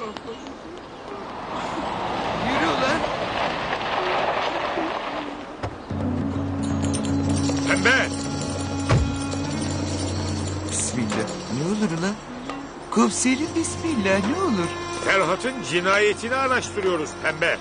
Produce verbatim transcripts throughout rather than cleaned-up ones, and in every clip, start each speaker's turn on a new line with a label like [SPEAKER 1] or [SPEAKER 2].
[SPEAKER 1] Yürü ulan.
[SPEAKER 2] Pembe!
[SPEAKER 1] Bismillah. Ne olur ulan? Komiserim bismillah ne olur?
[SPEAKER 2] Ferhat'ın cinayetini araştırıyoruz Pembe.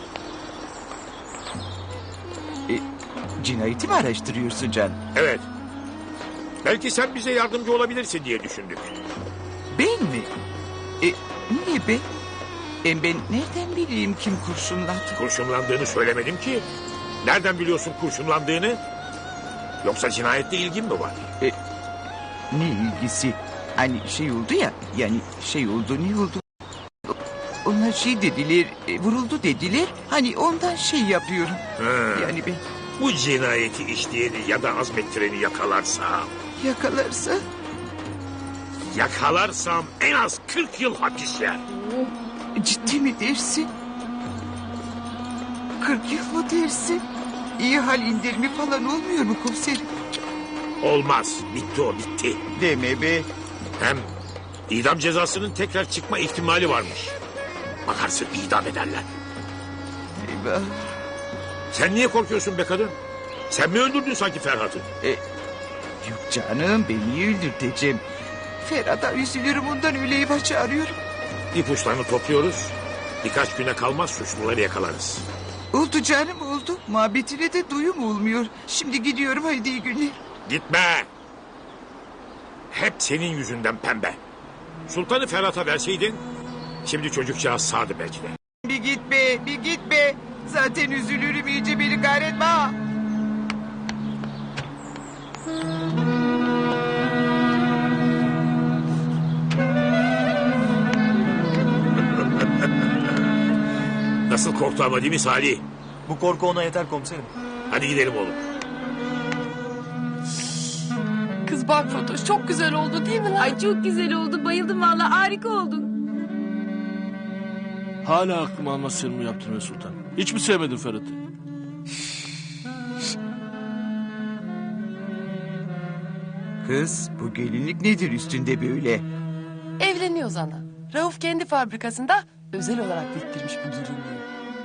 [SPEAKER 1] E, cinayeti mi araştırıyorsun Can?
[SPEAKER 2] Evet. Belki sen bize yardımcı olabilirsin diye düşündük.
[SPEAKER 1] Ben mi? E, niye ben? Hem ben nereden bileyim kim kurşunladı?
[SPEAKER 2] Kurşunlandığını söylemedim ki. Nereden biliyorsun kurşunlandığını? Yoksa cinayetle ilgin mi var?
[SPEAKER 1] E, ne ilgisi? Hani şey oldu ya, yani şey oldu ne oldu? Onlar şey dediler, e, vuruldu dediler. Hani ondan şey yapıyorum.
[SPEAKER 2] Ha.
[SPEAKER 1] Yani ben
[SPEAKER 2] Bu cinayeti işleyeni ya da azmettireni yakalarsam...
[SPEAKER 1] yakalarsa...
[SPEAKER 2] Yakalarsam en az kırk yıl hapis yer.
[SPEAKER 1] Ciddi mi dersin? Kırk yıl mı dersin? İyi hal indirimi falan olmuyor mu komiserim?
[SPEAKER 2] Olmaz. Bitti o bitti.
[SPEAKER 1] Deme be.
[SPEAKER 2] Hem idam cezasının tekrar çıkma ihtimali varmış. Bakarsın idam ederler.
[SPEAKER 1] Eyvah.
[SPEAKER 2] Sen niye korkuyorsun be kadın? Sen mi öldürdün sanki Ferhat'ı?
[SPEAKER 1] E, yok canım ben niye öldürteceğim? Ferhat'a üzülürüm ondan öyle eyvah çağırıyorum.
[SPEAKER 2] İpuçlarını topluyoruz. Birkaç güne kalmaz suçluları yakalarız.
[SPEAKER 1] Oldu canım oldu. Muhabbetine de duyum olmuyor. Şimdi gidiyorum haydi iyi günler.
[SPEAKER 2] Gitme. Hep senin yüzünden Pembe. Sultanı Ferhat'a verseydin... Şimdi çocukcağız sağdı belki de.
[SPEAKER 1] Bir git be bir git be. Zaten üzülürüm iyice beni kahretme ha.
[SPEAKER 2] Nasıl korktu ama değil mi Salih?
[SPEAKER 3] Bu korku ona yeter komiserim.
[SPEAKER 2] Hadi gidelim oğlum.
[SPEAKER 4] Kız bak Fatoş çok güzel oldu değil mi lan?
[SPEAKER 5] Ay çok güzel oldu. Bayıldım vallahi harika oldun.
[SPEAKER 6] Hala aklım almaz senin bu yaptığını Sultan. Hiç mi sevmedin Ferhat'ı?
[SPEAKER 1] Kız bu gelinlik nedir üstünde böyle?
[SPEAKER 4] Evleniyoruz ana. Rauf kendi fabrikasında özel olarak diktirmiş bu gelinliği.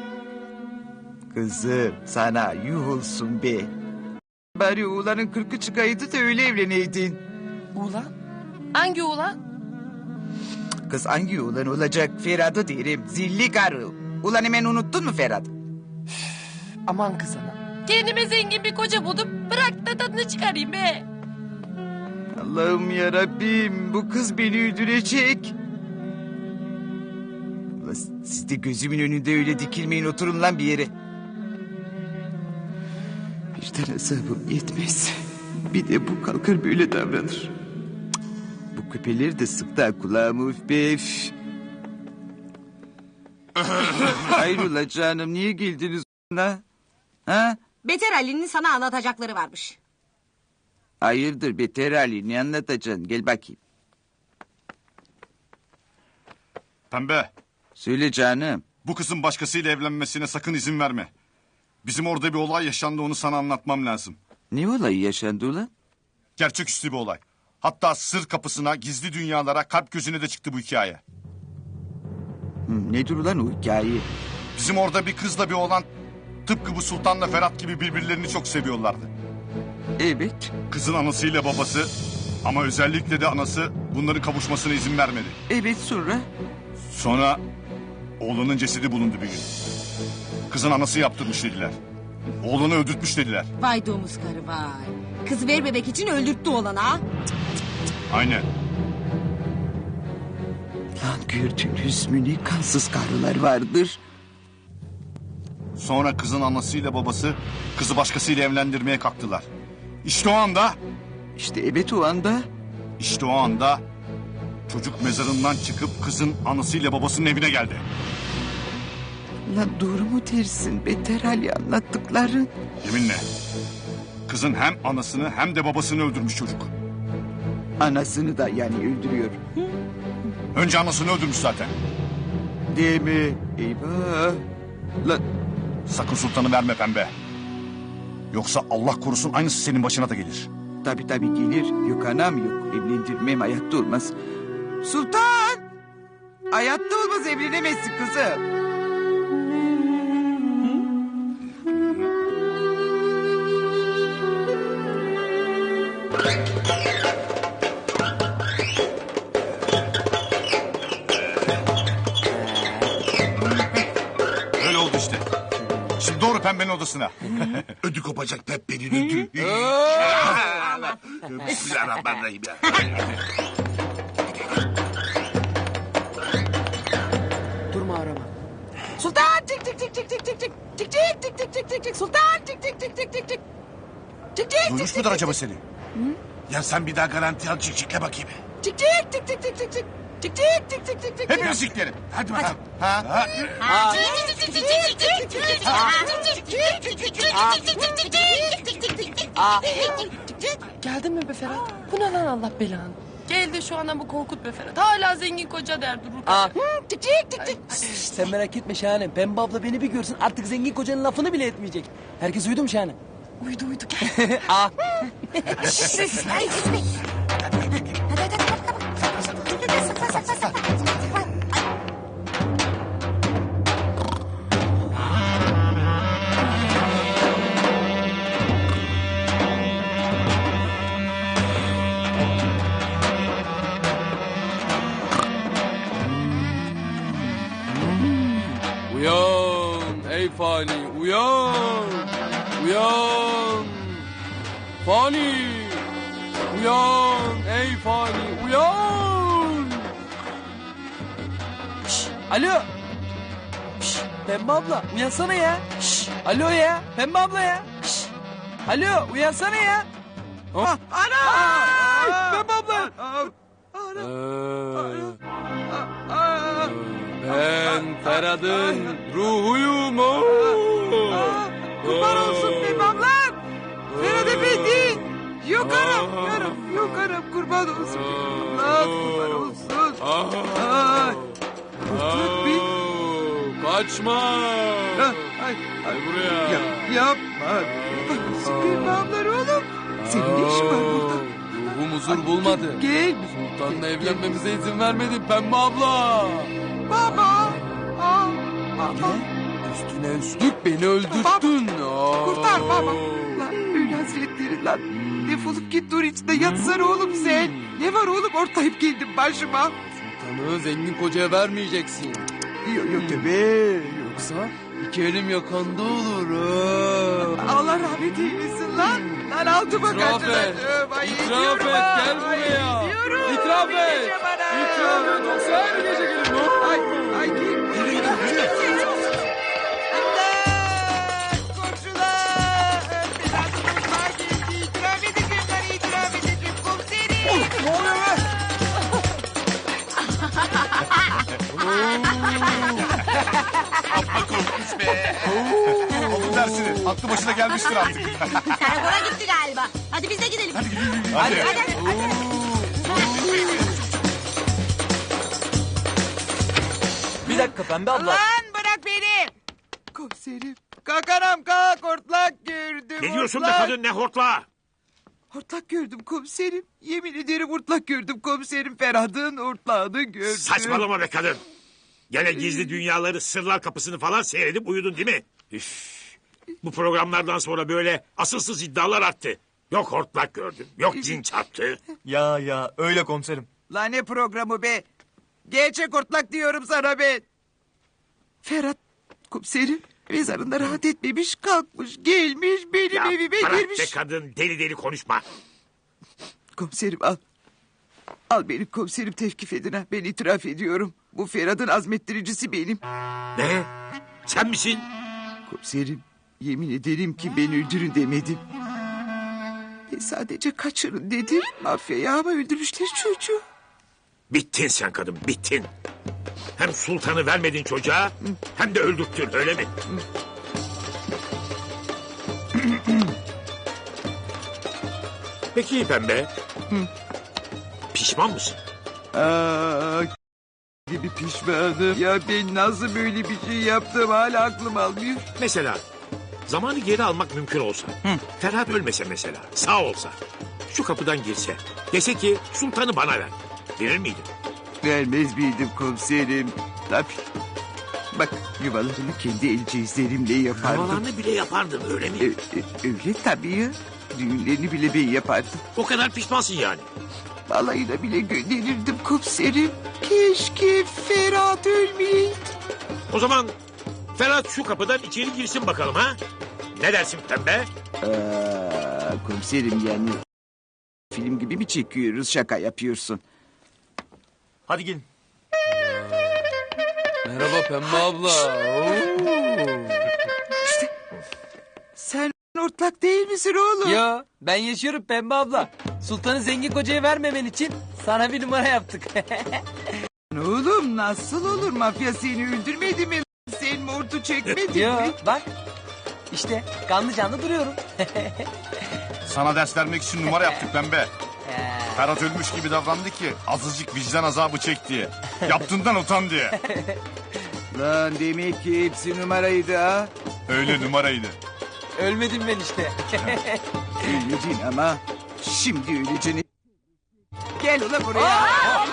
[SPEAKER 1] Kızım sana yuh olsun be. Bari oğlanın kırkı çıkaydı da öyle evleneydin.
[SPEAKER 4] Ulan? Hangi ulan?
[SPEAKER 1] Kız hangi oğlan olacak Ferhat'ı derim zilli karı. Ulan hemen unuttun mu Ferhat?
[SPEAKER 4] Aman kız ana. Kendime zengin bir koca buldum. Bırak da tadını çıkarayım be.
[SPEAKER 1] Allah'ım yarabbim bu kız beni öldürecek. Ulan siz de gözümün önünde öyle dikilmeyin oturun lan bir yere. Bir tane hesabım yetmez. Bir de bu kalkar böyle davranır. Cık, bu küpeleri de sıktı ha kulağımı üf be üf. Hayrola canım niye geldiniz ona? Ha?
[SPEAKER 5] Beter Ali'nin sana anlatacakları varmış.
[SPEAKER 1] Hayırdır Beter Ali ne anlatacaksın gel bakayım.
[SPEAKER 7] Pembe,
[SPEAKER 1] Söyle canım.
[SPEAKER 7] bu kızın başkasıyla evlenmesine sakın izin verme. Bizim orada bir olay yaşandı, onu sana anlatmam lazım.
[SPEAKER 1] Ne olayı yaşandı ulan?
[SPEAKER 7] Gerçeküstü bir olay. Hatta sır kapısına, gizli dünyalara, kalp gözüne de çıktı bu hikaye.
[SPEAKER 1] Hı, nedir ulan o hikaye?
[SPEAKER 7] Bizim orada bir kızla bir oğlan tıpkı bu Sultan'la Ferhat gibi birbirlerini çok seviyorlardı.
[SPEAKER 1] Evet.
[SPEAKER 7] Kızın anasıyla babası ama özellikle de anası bunların kavuşmasına izin vermedi.
[SPEAKER 1] Evet sonra?
[SPEAKER 7] Sonra oğlanın cesedi bulundu bir gün. Kızın anası yaptırmış dediler. Oğlanı öldürtmüş dediler.
[SPEAKER 5] Vay domuz karı vay. Kız ver bebek için öldürttü oğlanı ha.
[SPEAKER 7] Aynen.
[SPEAKER 1] Lan gördünüz mü ne kansız karılar vardır.
[SPEAKER 7] Sonra kızın anasıyla babası kızı başkasıyla evlendirmeye kalktılar. İşte o anda,
[SPEAKER 1] İşte evet o anda.
[SPEAKER 7] işte o anda çocuk mezarından çıkıp kızın anasıyla babasının evine geldi.
[SPEAKER 1] Lan doğru mu dersin Beter Ali anlattıkların?
[SPEAKER 7] Yeminle. Kızın hem anasını hem de babasını öldürmüş çocuk.
[SPEAKER 1] Anasını da yani öldürüyor.
[SPEAKER 7] Önce anasını öldürmüş zaten.
[SPEAKER 1] Değil mi? Eyvah. Lan
[SPEAKER 7] Sakın sultanı verme Pembe. Yoksa Allah korusun aynısı senin başına da gelir.
[SPEAKER 1] tabii tabii gelir. Yok anam yok. Evlendirmem hayatta olmaz. Sultan! Hayatta olmaz, evlenemezsin kızım.
[SPEAKER 7] Öyle oldu işte. Şimdi doğru pembenin odasına.
[SPEAKER 8] Ödü kopacak Peppe'nin ödü. Bismillahirrahmanirrahim ya.
[SPEAKER 4] Durma arama. Sultan çık çık çık çık çık çık çık çık çık çık çık çık çık çık Sultan çık çık çık çık çık çık çık çık
[SPEAKER 7] Duymuş mudur acaba seni?
[SPEAKER 8] Ya sen bir daha garanti al çık bakayım.
[SPEAKER 4] çık çık çık çık çık çık çık çık çık çık çık çık çık
[SPEAKER 7] Hepimiz siklerim.
[SPEAKER 8] Hadi bakalım.
[SPEAKER 7] Ha? Ha?
[SPEAKER 4] Geldin mi be Ferhat? Bu ne lan Allah belanı? Geldi şu anda bu Korkut be Ferhat. Hala zengin koca der durur.
[SPEAKER 9] Aa.
[SPEAKER 4] Çık çık çık çık.
[SPEAKER 9] Şş, sen merak etme Şahanem. Pembe abla beni bir görsün artık zengin kocanın lafını bile etmeyecek. Herkes uyudu mu Şahanem?
[SPEAKER 4] Uyudu uyudu gel.
[SPEAKER 9] Aa.
[SPEAKER 6] Uyan ey fani uyan. Uyan. Fani. Uyan ey fani uyan.
[SPEAKER 9] Şş, alo. Şş, Pembe abla uyansana ya. Şş, alo ya. Pembe abla ya. Şş, alo uyansana ya.
[SPEAKER 1] Ah, ana!
[SPEAKER 9] Ay, Pembe abla.
[SPEAKER 6] Ee, ben Ferhat'ın ruhuyum.
[SPEAKER 1] Kurban olsun benim ablam. Ferhat Efendi. Yok anam, yarım, yok anam, kurban olsun benim ablam, kurban olsun. Ay, kurtuluk bir.
[SPEAKER 6] Kaçma.
[SPEAKER 1] Ah, Ay, ay,
[SPEAKER 6] Gel buraya.
[SPEAKER 1] yap, yapma. Kurban olsun benim ablam oğlum. Senin ne işin var burada?
[SPEAKER 6] Ruhum huzur bulmadı.
[SPEAKER 1] Gel.
[SPEAKER 6] Sultan'la evlenmemize izin vermedi Pembe abla.
[SPEAKER 1] Baba. Aa, baba.
[SPEAKER 6] Üstüne üstlük beni öldürttün. Aa.
[SPEAKER 1] Kurtar baba. Lan öyle hazretleri lan. Defolup git dur içinde yatsana oğlum sen. Ne var oğlum ortayıp geldin başıma.
[SPEAKER 6] Sultan'ı zengin kocaya vermeyeceksin.
[SPEAKER 1] Yok yok be.
[SPEAKER 6] Yoksa iki elim yakanda olur. Ha.
[SPEAKER 1] Allah rahmet eylesin lan. Lan altıma
[SPEAKER 6] İtiraf
[SPEAKER 1] kaçırdım.
[SPEAKER 6] et.
[SPEAKER 1] Ay,
[SPEAKER 6] İtiraf
[SPEAKER 1] gidiyorum
[SPEAKER 6] et.
[SPEAKER 1] ha.
[SPEAKER 6] Gel
[SPEAKER 1] Ay,
[SPEAKER 6] buraya.
[SPEAKER 1] gidiyorum.
[SPEAKER 6] İtiraf
[SPEAKER 1] Bir
[SPEAKER 6] et.
[SPEAKER 1] gece bana.
[SPEAKER 6] İtiraf et. Yoksa her gece gelirim.
[SPEAKER 1] Ay, ay git. İmdat! Komşular! Berat mutfağa geldi. İtiraf edeceğim lan, itiraf edeceğim. Komiserim.
[SPEAKER 7] Ne oluyor be?
[SPEAKER 8] Amma korkmuş be.
[SPEAKER 7] Alın dersini. Aklı başına gelmiştir artık.
[SPEAKER 5] Karakola gitti galiba. Hadi biz de gidelim.
[SPEAKER 7] Hadi.
[SPEAKER 5] Hadi hadi.
[SPEAKER 3] Bir dakika Pembe abla.
[SPEAKER 1] Lan bırak beni. Komiserim. Kalk anam kalk, hortlak gördüm.
[SPEAKER 2] Ne diyorsun be
[SPEAKER 1] hortlak.
[SPEAKER 2] kadın, ne hortla?
[SPEAKER 1] Hortlak gördüm komiserim. Yemin ederim hortlak gördüm komiserim. Ferhat'ın hortlağını gördüm.
[SPEAKER 2] Saçmalama be kadın. Gene gizli dünyaları, sırlar kapısını falan seyredip uyudun değil mi? Üf. Bu programlardan sonra böyle asılsız iddialar arttı. Yok hortlak gördüm, yok cin çarptı.
[SPEAKER 3] Ya ya öyle komiserim.
[SPEAKER 1] Lan ne programı be? Gerçek hortlak diyorum sana ben. Ferhat komiserim mezarında rahat etmemiş, kalkmış gelmiş benim
[SPEAKER 2] Ya
[SPEAKER 1] evime
[SPEAKER 2] bırak
[SPEAKER 1] girmiş.
[SPEAKER 2] be kadın, deli deli konuşma.
[SPEAKER 1] Komiserim al. Al benim komiserim, tevkif edin ha. Ben itiraf ediyorum. Bu Ferhat'ın azmettiricisi benim.
[SPEAKER 2] Ne? Sen misin?
[SPEAKER 1] Komiserim yemin ederim ki beni öldürün demedim. Ben sadece kaçırın dedim. Mafyaya ama öldürmüşler çocuğu.
[SPEAKER 2] Bittin sen kadın, bittin. Hem sultanı vermedin çocuğa, hem de öldürttün, öyle mi? Peki Pembe. Pişman mısın?
[SPEAKER 1] Aa, gibi pişmanım. Ya ben nasıl böyle bir şey yaptım hala aklım almıyor.
[SPEAKER 2] Mesela zamanı geri almak mümkün olsa. Ferhat ölmese mesela, sağ olsa. Şu kapıdan girse. Dese ki sultanı bana ver. Verir miydin?
[SPEAKER 1] Vermez miydim komiserim? Tabii. Bak yuvalarını kendi el cihazlerimle yapardım.
[SPEAKER 2] Havalarını bile yapardın öyle mi?
[SPEAKER 1] E, e, öyle tabii ya. Düğünlerini bile ben yapardım.
[SPEAKER 2] O kadar pişmansın yani.
[SPEAKER 1] Balayına bile gönderirdim komiserim. Keşke Ferhat ölmeyeydi.
[SPEAKER 2] O zaman Ferhat şu kapıdan içeri girsin bakalım ha? Ne dersin pembe?
[SPEAKER 1] Aa, komiserim yani film gibi mi çekiyoruz, şaka yapıyorsun?
[SPEAKER 3] Hadi gelin.
[SPEAKER 9] Merhaba Pembe abla. Oo.
[SPEAKER 1] Sen ortak değil misin oğlum?
[SPEAKER 9] Ya ben yaşıyorum Pembe abla. Sultanı zengin kocaya vermemen için sana bir numara yaptık.
[SPEAKER 1] Oğlum nasıl olur, mafya seni öldürmedi mi? Sen mortu çekmedin
[SPEAKER 9] ya
[SPEAKER 1] mi?
[SPEAKER 9] bak işte kanlı canlı duruyorum.
[SPEAKER 7] Sana ders vermek için numara yaptık pembe. Ferhat ölmüş gibi davrandı ki azıcık vicdan azabı çek diye. Yaptığından utan diye.
[SPEAKER 1] Lan demek ki hepsi numaraydı ha.
[SPEAKER 7] Öyle numaraydı.
[SPEAKER 9] Ölmedim ben işte.
[SPEAKER 1] Öleceksin ama şimdi öleceksin. Gel ulan buraya.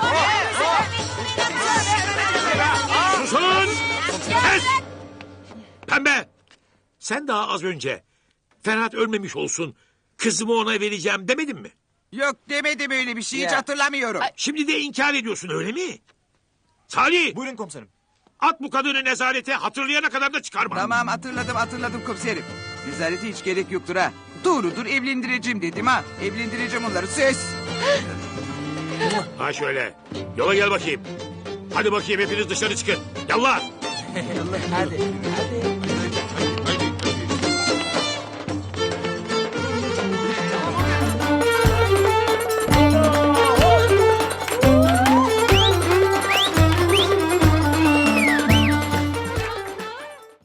[SPEAKER 2] Susun! Kes! Pembe! Sen daha az önce Ferhat ölmemiş olsun, kızımı ona vereceğim demedin mi?
[SPEAKER 1] Yok demedim öyle bir şey, hiç
[SPEAKER 9] Ya.
[SPEAKER 1] hatırlamıyorum.
[SPEAKER 2] Şimdi de inkar ediyorsun öyle mi? Salih!
[SPEAKER 3] Buyurun komiserim.
[SPEAKER 2] At bu kadını nezarete, hatırlayana kadar da çıkarma.
[SPEAKER 1] Tamam hatırladım hatırladım komiserim. Nezarete hiç gerek yoktur ha. Doğrudur, evlendireceğim dedim ha. Evlendireceğim onları, söz.
[SPEAKER 2] Ha şöyle, yola gel bakayım. Hadi bakayım hepiniz dışarı çıkın. Yallah!
[SPEAKER 9] hadi hadi.